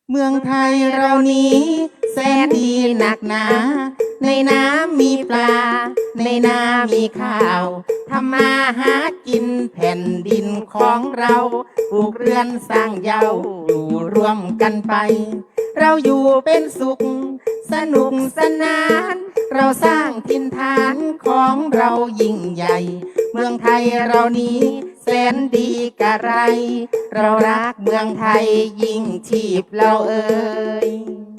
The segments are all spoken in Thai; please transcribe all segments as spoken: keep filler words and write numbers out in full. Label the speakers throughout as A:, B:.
A: เมืองไทยเรานี้แสนดีหนักหนาในน้ำมีปลาในนามีข้าวทำมาหากินแผ่นดินของเราปลูกเรือนสร้างเยาอยู่ร่วมกันไปเราอยู่เป็นสุขสนุกสนานเราสร้างถิ่นฐานของเรายิ่งใหญ่เมืองไทยเรานี้แสนดีกะไรเรารักเมืองไทยยิ่งชีพเราเอ่ย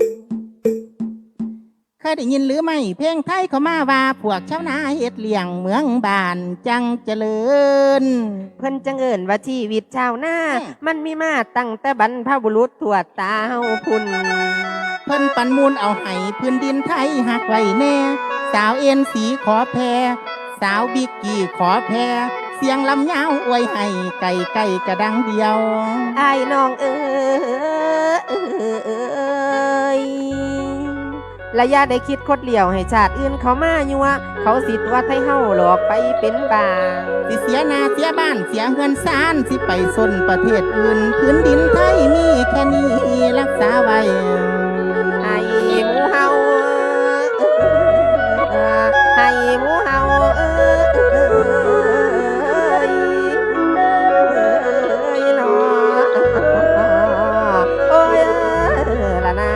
A: เคยได้ยินหรือไม่เพลงไทยเขามาว่าพวกชาวนาเฮ็ดเลี้ยงเมืองบ้านจังเจริญ
B: เพิ่นจังเอิ้นว่าชีวิตชาวนามันมีมาตั้งแต่บรรพบุรุษทวดตาเฮาพุ่น
A: เพิ่นปันมูลเอาให้พื้นดินไทยหักไว้แน่สาวเอ็นสีขอแพรสาวบิ๊กกี้ขอแพรเสียงลำยาวอวยให้ไก่ไก่กระดังเดียว
B: ไอ้น้องเอ้ยระยะได้คิดคดเหลี่ยวให้ชาติอื่นเขามายัวเขาสิตัวไทยเฮาหลอกไปเป็นบาง
A: สิเสียนาเสียบ้านเสียเงินซานสิไปสนประเทศอื่นพื้นดินไทยมีแค่นี้รักษาไว้
B: ไอ้หมูเฮาไอ้หมูเฮาเอ้ยเนาะโอ้ยละนา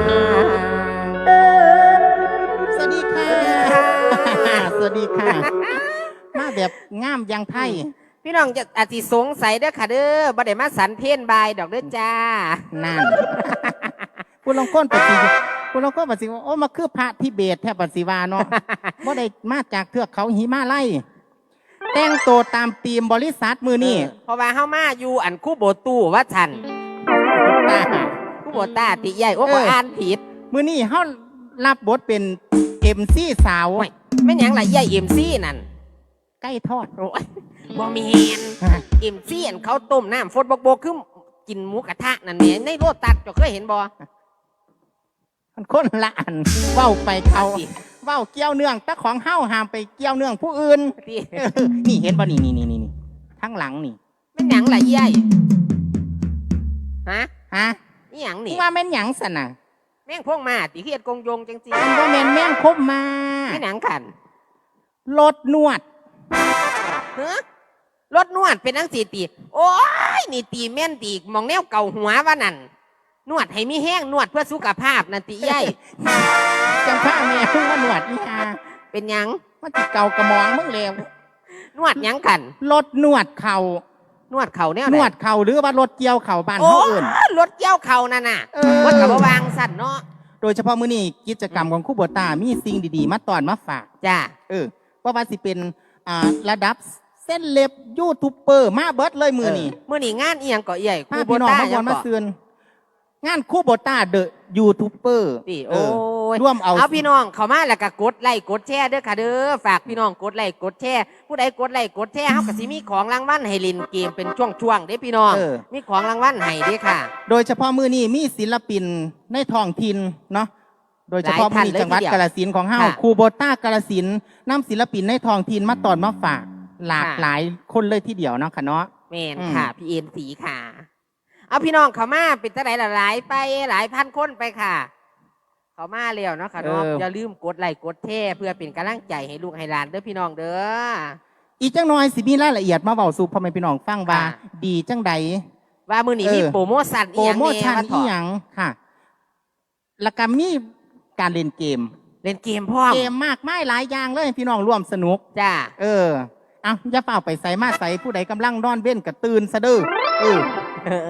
A: สวัสดีค่ะสวัสดีค่ะมาแบบงามยังไทย
B: พี่น้องจะอาจจะสงสัยเด้อค่ะเด้อบ่ได้มาสันเพนบายดอกเด้อจ้า
A: นั่นผู้ลงก้นปฏิผู้ลงก้นปฏิโอ้มาคือพระทิเบตแทบปฏิวาเนาะบ่ได้มาจากเทือกเขาหิมาลัยแต่งตัวตามธีมบริษัทมือนี่
B: เพราะว่าเฮามาอยู่อันคู่โบตู้ว่าฉันคู่โบต้าติใหญ่โอ้บ่อ่านผิด
A: มือนี่เฮารับบทเป็น เอ็ม ซี สาว
B: แม่นหยังล่ะใหญ่ เอ็ม ซี นั่น
A: ใกล้ทอด
B: โอ้ยบ่มีแฮน เอ็ม ซี อันเขาต้มน้ำฟดบกบกคือกินหมูกระทะนั่นแหละในโลตัสเจ้าเคยเห็นบ่
A: มันคนละอันเว้าไปเขาเว้าเกี่ยวเนื่องแต่ของเฮาห้ามไปเกี่ยวเนื่องผู้อื่นนี่เห็นบ่นี่นี่นี่นี่ทั้งหลังนี่
B: แม่นหยังล่ะใหญ่ฮะ
A: ฮะ
B: นี่หยังนี่
A: ว่าแม่นหยังสั่นน่ะ
B: แม่งพวกมาติเฮ็ดกงยงจังซี่
A: มันบ่แม่นแม่งคบมา
B: แม่นหยังคั่น
A: รถนวด
B: ฮะรถนวดเป็นจังซี่ติโอ้ยนี่ตีแม่นตีมองแนวเก่าหัวว่านั่นนวดให้มีแห้งนวดเพื่อสุขภาพนั่นติใหญ่
A: จังพาแม่เพิ่งมานวดอีหา
B: เป็นหยัง
A: มันสิเก่ากระมองมึงแล้ว
B: นวดหยังคั่น
A: รถนวดเข่าน
B: วดเข่าแนวไหน
A: นวดเข่าหรือว่ารถเกี่ยวเข่าบ้านเฮาเอิ้น
B: รถเกี่ยวเข่านั่นน่ะวัดกับวางสั่นเนาะ
A: โดยเฉพาะมื้อนี้กิจกรรมของครูโบต้ามีสิ่งดีๆมาตอนมาฝาก
B: จ้า
A: เออว่าว่าสิเป็นอ่าระดับเส้นเล็บยูทูบเบอร์มาเบิดเลยมื้อนี้
B: มื้อนี้งานอีหยังก็ใหญ่
A: ครูโบต้ามาวันมาเตือนงานครูโบต้าเดอะยูทูบเบอร์
B: โอ้ยร่วมเอาเอาพี่น้องเข้ามาแล้วก็กดไลค์กดแชร์เด้อค่ะเด้อฝากพี่น้องกดไลค์กดแชร์ผู้ใดกดไลค์กดแชร์เฮาก็สิมีของรางวัลให้เล่นเกมเป็นช่วงๆเด้พี่น้องมีของรางวัลให้เด้ค่ะ
A: โดยเฉพาะมื้อนี้มีศิลปินในท้องถิ่นเนาะโดยเฉพาะมื้อนี้จังหวัดกาฬสินธุ์ของเฮาครูโบต้ากาฬสินธุ์นำศิลปินในท้องถิ่นมาตอนมาฝากหลากหลายคนเลยทีเดียวเนาะค่ะเนาะ
B: แม่นค่ะพี่เอ็นสีค่ะเอาพี่น้องเขามาเป็นตั้งไหนหลายไปหลายพันคนไปค่ะเขามาเร็วเนาะค่ะเนาะอย่าลืมกดไลค์กดแชร์เพื่อเป็นกำลังใจให้ลูกให้หลานเด้อพี่น้องเด้อ
A: อีกจังน้อยสิมีรายละเอียดมาเว้าสู่พ่อแม่พี่น้องฟังว่าดีจังใด
B: ว่ามื้อนี้มีโปรโมชั่นอีหยัง
A: โปรโมชั่นอีหยังค่ะแล้วก็มีการเล่นเกม
B: เล่นเกมพร้อม
A: เกมมากมายหลายอย่างเลยพี่น้องร่วมสนุก
B: จ้า
A: เออเอาอย่าเฝ้าไปใส่มาใส่ผู้ใดกำลังนอนเว้นก็ตื่นซะเด้อเออ